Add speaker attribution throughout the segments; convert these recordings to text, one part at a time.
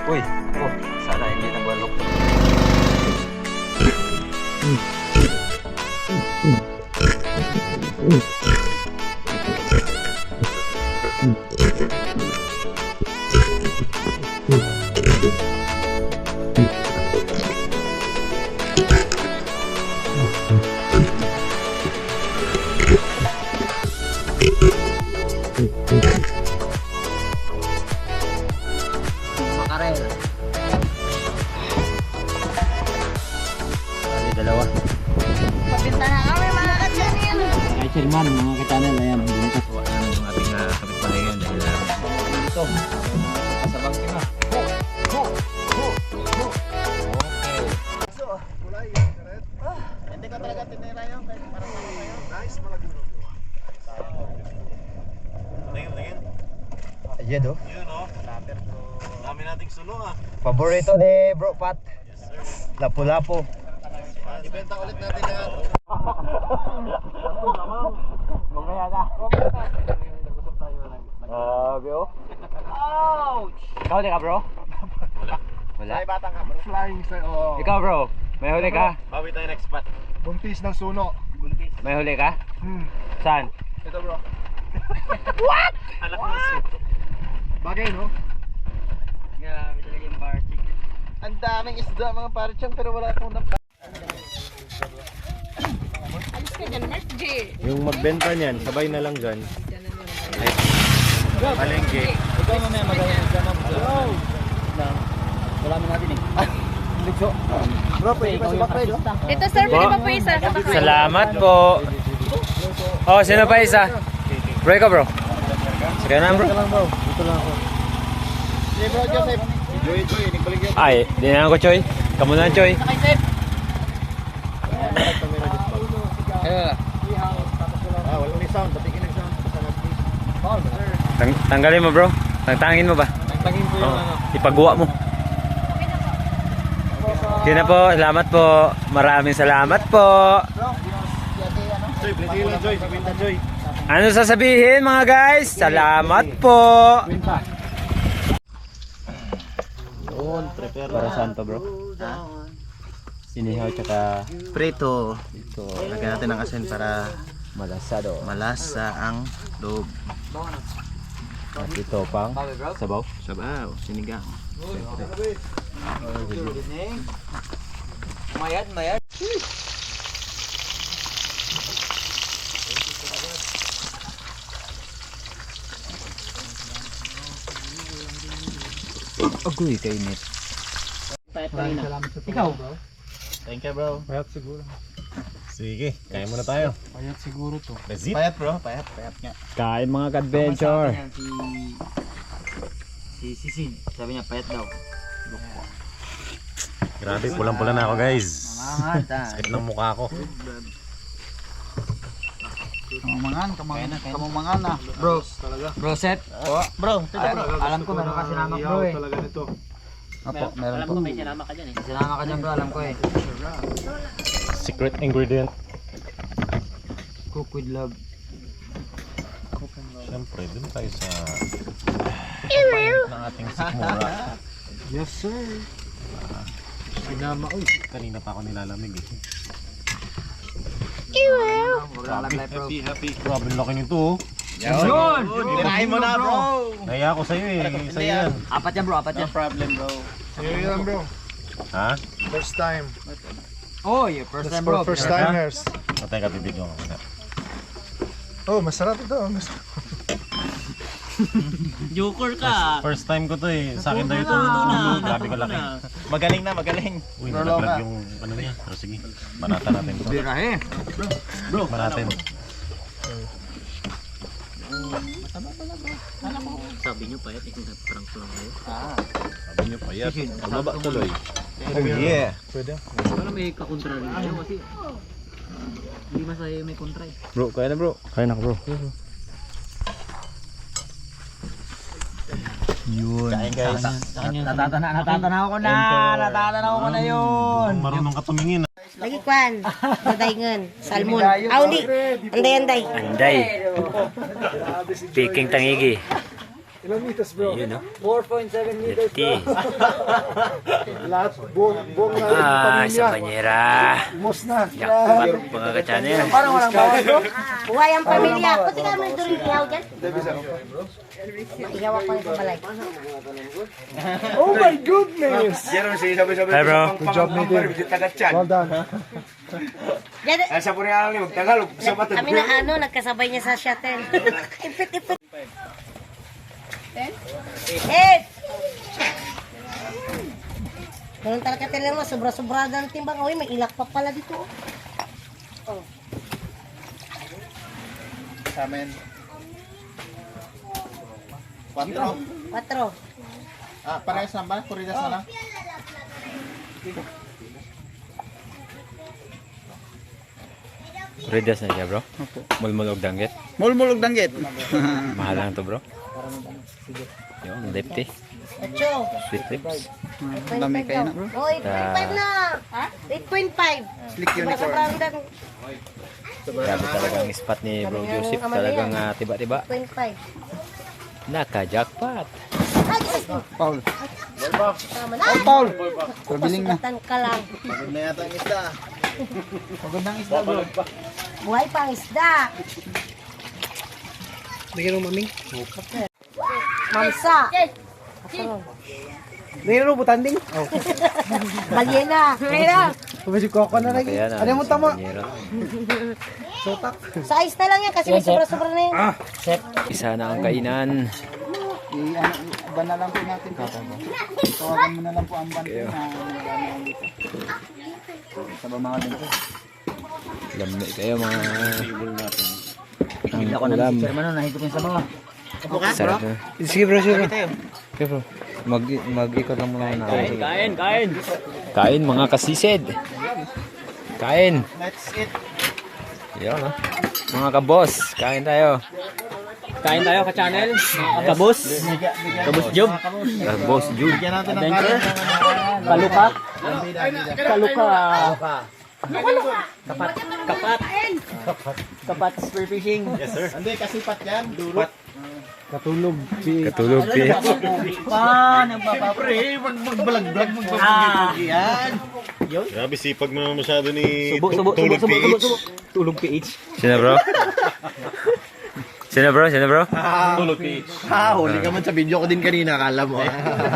Speaker 1: Uy, oh, sana hindi nabalok.
Speaker 2: Makarel.
Speaker 1: Bali, dalawa.
Speaker 3: Pabinta na kami mga ka-channel.
Speaker 2: Kay Sherman, mga ka-channel, ayan. Buntot.
Speaker 1: So, ayan yung ating kapitbahay ngayon dahil dito. Kasabang kita.
Speaker 4: Hindi ko talaga tinira yun. Parang nice, malaki. Tingin.
Speaker 1: Ayan do.
Speaker 4: Yun o. Dami nating suno ah.
Speaker 1: Paborito ni Bro Pat.
Speaker 4: Yes sir.
Speaker 1: Lapu-lapu.
Speaker 4: Ibenta ulit natin yan.
Speaker 1: Mamaya na. Bro.
Speaker 3: Ouch!
Speaker 1: Ikaw di ka bro? Wala.
Speaker 4: Ay batang ka bro. Flying sa oh.
Speaker 1: Ikaw bro, may huli ka?
Speaker 4: Bawi tayo next spot. Buntis ng suno. Buntis.
Speaker 1: May huli ka? Saan?
Speaker 4: Ito bro. What? Anak mo suno. Bagay no?
Speaker 2: Grabe talaga yung bar chicken.
Speaker 4: Ang daming isda mga parichan pero wala akong
Speaker 3: Alis ka dyan, Mark J.
Speaker 4: Yung magbenta niyan, sabay na lang dyan. Palengke.
Speaker 2: Ikaw mamaya magaling ka lang. Wala mo natin eh.
Speaker 4: Bro, pwede ba subak tayo?
Speaker 3: Dito sir, pwede ba po isa?
Speaker 1: Salamat po. Oh, sino pa isa? Bro, ikaw bro. Sige na bro.
Speaker 4: Dito lang bro. Dito lang ako. Sige bro, Joseph. Enjoy ito eh. Nagbalik yun.
Speaker 1: Ay, di na ako Choy. Kamu na Choy.
Speaker 4: Ah, wala ni sound. Patikin ng sound.
Speaker 1: Tanggalin mo bro. Tangtangin mo ba?
Speaker 4: Tangin ko yung ano.
Speaker 1: Ipagawa mo. Yun na po. Salamat po. Maraming salamat po.
Speaker 4: Joy, pwede lang Joy. Sabinta Joy.
Speaker 1: Ano sasabihin mga guys? Salamat po.
Speaker 4: Doon, prepare
Speaker 1: Para saan to bro? Sinihaw tsaka
Speaker 4: Prito.
Speaker 1: ito.
Speaker 4: Lagyan natin ng asin para
Speaker 1: Malasado.
Speaker 4: malasa ang loob.
Speaker 1: At ito pang sabaw.
Speaker 4: Sabaw, sinigang.
Speaker 2: Mayad.
Speaker 1: Agoy kainit.
Speaker 2: Ikaw?
Speaker 4: Thank you bro.
Speaker 5: Payat siguro.
Speaker 4: Sige, kain muna tayo.
Speaker 5: Payat siguro to.
Speaker 4: Resit? Payat bro, payat nga.
Speaker 1: Kain mga ka-adventure.
Speaker 2: Si Sisid, sabi niya payat daw.
Speaker 4: Grabe, pulang-pula na ako guys.
Speaker 2: Mamanganta.
Speaker 4: Sakit ng mukha ko.
Speaker 2: Kamumangan na. Bro, set.
Speaker 4: Bro,
Speaker 2: Alam ko meron ka sinama bro eh.
Speaker 5: Talaga nito.
Speaker 2: Opo, meron po. May sinama ka dyan eh. Sinama ka dyan bro, alam ko eh.
Speaker 4: Secret ingredient.
Speaker 2: Cook with love.
Speaker 4: Siyempre, dun tayo sa payat ng ating sikmura.
Speaker 5: Yes sir. Sinama ko.
Speaker 4: Kanina pa ako nilalamig eh.
Speaker 2: Huwag lang lang bro.
Speaker 4: Grabe laki nito oh.
Speaker 2: Yun!
Speaker 4: Tirahin mo na bro. Naya ako sa'yo eh. Sa'yo yan.
Speaker 2: Apat yan bro, apat yan.
Speaker 5: Sige yan bro.
Speaker 4: Ha?
Speaker 5: First time.
Speaker 2: Oh, your first
Speaker 5: That's
Speaker 2: time bro.
Speaker 5: for first timers.
Speaker 4: Patay ka, bibidyo ako muna.
Speaker 5: Oh, masarap ito.
Speaker 2: Joker ka.
Speaker 4: First time ko to eh. Sa akin daw ito. Grabe ko laki.
Speaker 6: Magaling na, magaling.
Speaker 4: Uy, nalaglag yung ano niya. Pero sige, banata natin ito.
Speaker 2: Birahe.
Speaker 4: Natin.
Speaker 2: Sabi niyo payat, prank lang kayo.
Speaker 4: Sabi niyo pa yan. Bumaba tuloy. Oh yeah.
Speaker 5: Pwede.
Speaker 2: Para may kakontra rin kayo kasi hindi masaya may kontra eh.
Speaker 1: Bro, kaya na bro. Kaya na bro. Yun.
Speaker 4: Kain guys.
Speaker 2: Natatanaw ko na yun.
Speaker 4: Marunong ka tumingin.
Speaker 3: Lagi kwan. Daday salmon. Auli. Anday.
Speaker 1: Anday. Speaking tangigi.
Speaker 5: Ilang meters bro?
Speaker 1: Yun, no?
Speaker 2: 4.7 meters bro.
Speaker 5: Lahat buong na
Speaker 1: Ah,
Speaker 5: pamilya.
Speaker 1: sa banyera.
Speaker 5: Umos na.
Speaker 1: Jackpot, mga ka-channel.
Speaker 2: Parang walang bawas bro.
Speaker 3: Buhay ang pamilya. Pati ka mo ito rin ihaw dyan. Ihaw ako ng balay.
Speaker 5: Oh my goodness!
Speaker 1: Hi, bro.
Speaker 5: Good job, Nathan. Well done.
Speaker 3: Kami na ano, nagkasabay niya sa shuttle. Ipit-ipit. 8! Ganun talaga talaga mo, sobra-sobra ng timbang. Uy, may ilak pa pala dito. Oh.
Speaker 5: Sa amin. 4.
Speaker 3: 4.
Speaker 5: Ah, parehas na ba? Kuridas na lang?
Speaker 1: Redas na siya, bro. Mulmulog danggit.
Speaker 2: Mulmulog danggit.
Speaker 1: Mahal lang to, bro. Yung lefty.
Speaker 3: 8.
Speaker 1: Sweet lips.
Speaker 2: Dami kayo na bro.
Speaker 3: Oh, 8.5 na. Ha? 8.5.
Speaker 2: Slick unicorn.
Speaker 3: Sobrang dan.
Speaker 1: Grabe talaga ang spot ni Bro Joseph. Talagang tiba-tiba.
Speaker 3: 8.5.
Speaker 1: Naka-jackpot.
Speaker 3: Ay, Diyos ko.
Speaker 2: Paul.
Speaker 3: Tama na.
Speaker 2: Paul. Pabiling na.
Speaker 3: Tan ka lang.
Speaker 5: Pagod na yata ang isda.
Speaker 2: Magandang isda bro.
Speaker 3: Buhay pang isda.
Speaker 2: Bigyan mo maming.
Speaker 3: Mamsa.
Speaker 2: Bigyan mo butanding. Oh.
Speaker 3: Balyena. Balyena.
Speaker 2: Pabasig ko ako na lagi.
Speaker 1: Kaya na.
Speaker 2: Ano mo tama?
Speaker 1: banyera.
Speaker 2: Sotak.
Speaker 3: Size na lang yan kasi may sobra-sobra na yan.
Speaker 1: Isa na ang kainan.
Speaker 2: Iba na lang po natin. Tawagan mo na lang po ang bante na dito. Sa mga dito.
Speaker 1: Lamig kayo mga
Speaker 2: Hindi ako
Speaker 1: ulam.
Speaker 2: nag-sir man nahigop yung sa mga.
Speaker 1: Sarap na. Sige bro, sige bro. Okay bro. Mag-ikot lang muna na. Kain mga kasisid. Kain.
Speaker 5: Let's eat.
Speaker 1: Yan ha. Mga kabos, kain tayo.
Speaker 2: Kain tayo ka-channel. Kabus. Kabus job.
Speaker 1: Kabos, Jude.
Speaker 5: Bigyan natin ng kanin.
Speaker 2: Kaluka. Kaluka. Kapat. Kapat spear fishing.
Speaker 5: Yes sir. Hindi, kasipat yan. Durot.
Speaker 1: Katulog, P.
Speaker 5: Pre, magbalag-blag, magbalag yan.
Speaker 4: Grabe sipag mo naman masyado ni
Speaker 2: Subo. Tulog PH.
Speaker 1: Sino bro? Sino bro?
Speaker 4: Tulog PH.
Speaker 5: Huli ka man sa video ko din kanina, akala mo.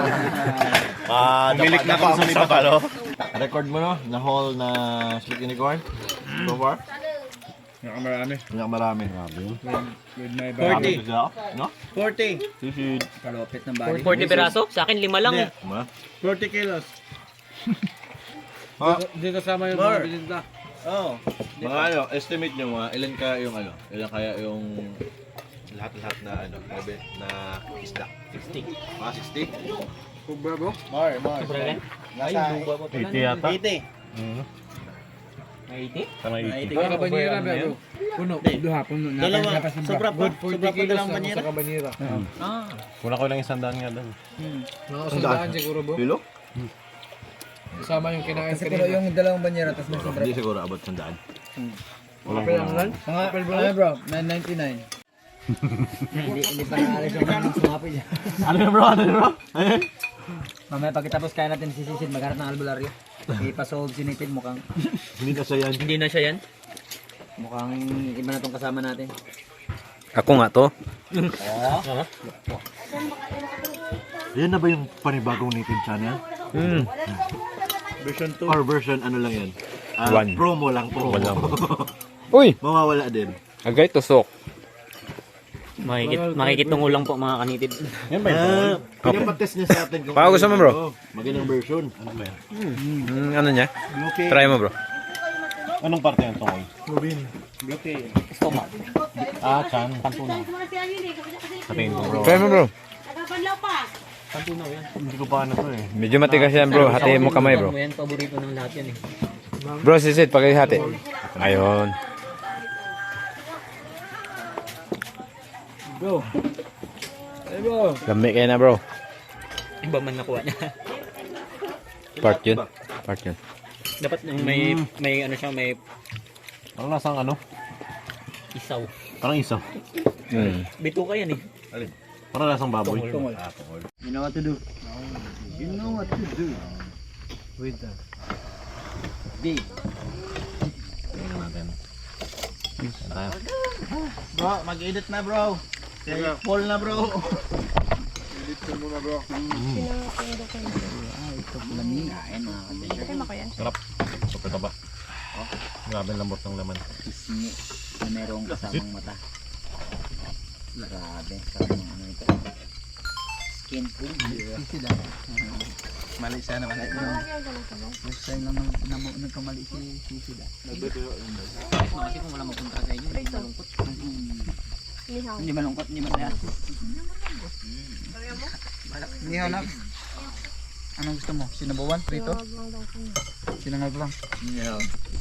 Speaker 4: Milik na pa ako sa palo.
Speaker 5: Record mo no, na haul na split unicorn so far? Marami.
Speaker 2: 40.
Speaker 5: No?
Speaker 2: 40.
Speaker 5: Susid.
Speaker 2: Kalopit ng bali. 40 peraso? Sa akin 5 lang eh.
Speaker 5: 40 kilos.
Speaker 2: Hindi kasama yung mga bilinda.
Speaker 5: Oh. Mga ano, estimate nyo mga ilan kaya yung lahat-lahat na na isda? 60. Mga 60?
Speaker 2: Kubra bro?
Speaker 5: More. Nasa
Speaker 4: 80 yata.
Speaker 5: 80.
Speaker 2: May 80?
Speaker 4: Tama 80.
Speaker 2: Sa kabanyera bro. Puno. Puno.
Speaker 5: Dalawa. Sobra pa dalawang banyera.
Speaker 2: kabanyera.
Speaker 4: Kuna ko lang 100 nga doon.
Speaker 2: Mga usandaan siguro bro.
Speaker 5: Kilo?
Speaker 2: Kasama yung kinain kanina. Kasi yung dalawang banyera tapos may sobra.
Speaker 5: Hindi siguro abot 100.
Speaker 2: Kapel lang lang? Mga kapel bro? 999. Hindi pa naalis yung sumapil niya.
Speaker 5: Ano bro?
Speaker 2: Mamaya pagkatapos kaya natin sisisid, maghanap ng albularyo. Ipasolve si Nathan, mukhang
Speaker 5: Hindi na siya yan.
Speaker 2: hindi na siya yan. Mukhang iba na tong kasama natin.
Speaker 1: Ako nga to.
Speaker 5: Yan na ba yung panibagong native channel?
Speaker 4: Version 2.
Speaker 5: Or version ano lang yan?
Speaker 1: One.
Speaker 5: Promo lang.
Speaker 1: Uy!
Speaker 5: Mawawala din.
Speaker 1: Agay tusok.
Speaker 2: Makikitong ulang po mga kanitid.
Speaker 4: Yan ba yun?
Speaker 5: Pinapatest niya sa atin kung
Speaker 1: Baka gusto mo, bro?
Speaker 5: magandang version. Ano ba yan?
Speaker 1: Ano niya?
Speaker 5: Okay.
Speaker 1: Try mo bro.
Speaker 4: Anong parte ng tungkol?
Speaker 2: Stomach.
Speaker 4: Chan. Sabihin mo bro.
Speaker 1: Try mo bro.
Speaker 3: Nagabanlaw pa.
Speaker 4: Hindi ko pa ano to eh.
Speaker 1: Medyo matigas yan bro. Hatiin mo kamay bro.
Speaker 2: Yan, paborito ng lahat yan eh.
Speaker 1: Bro, sisid. Pakihati. Ayun.
Speaker 2: Bro. Hey bro.
Speaker 1: Lamig kayo na bro.
Speaker 2: Iba man nakuha niya.
Speaker 1: Part yun.
Speaker 2: Dapat may ano siya, may
Speaker 4: Parang lasang ano?
Speaker 2: isaw.
Speaker 4: Parang isaw.
Speaker 1: Mm.
Speaker 2: Bito ka yan eh.
Speaker 5: Alin? Para lasang baboy.
Speaker 2: Tungol.
Speaker 5: Ah, tungol.
Speaker 2: You know what to do. You know what to do.
Speaker 1: With that.
Speaker 2: Big.
Speaker 5: Tingnan natin. Yan tayo.
Speaker 2: Bro, mag-edit na bro. Fall na bro. Ito pala niya. Ayan mga kabisyo.
Speaker 5: Sarap. Super taba. Grabe ang lambot ng laman.
Speaker 2: Pisngi na merong kasamang mata. Grabe. Sarap ng ano ito. Skin food. Sisi daw. Mali siya naman. First time lang nagkamali si Sisi daw. Kasi kung wala magpunta sa inyo, hindi malungkot. Hindi malungkot, hindi masaya. Nihaw na. Anong gusto mo? Sinabawan? Prito? Sinangag lang.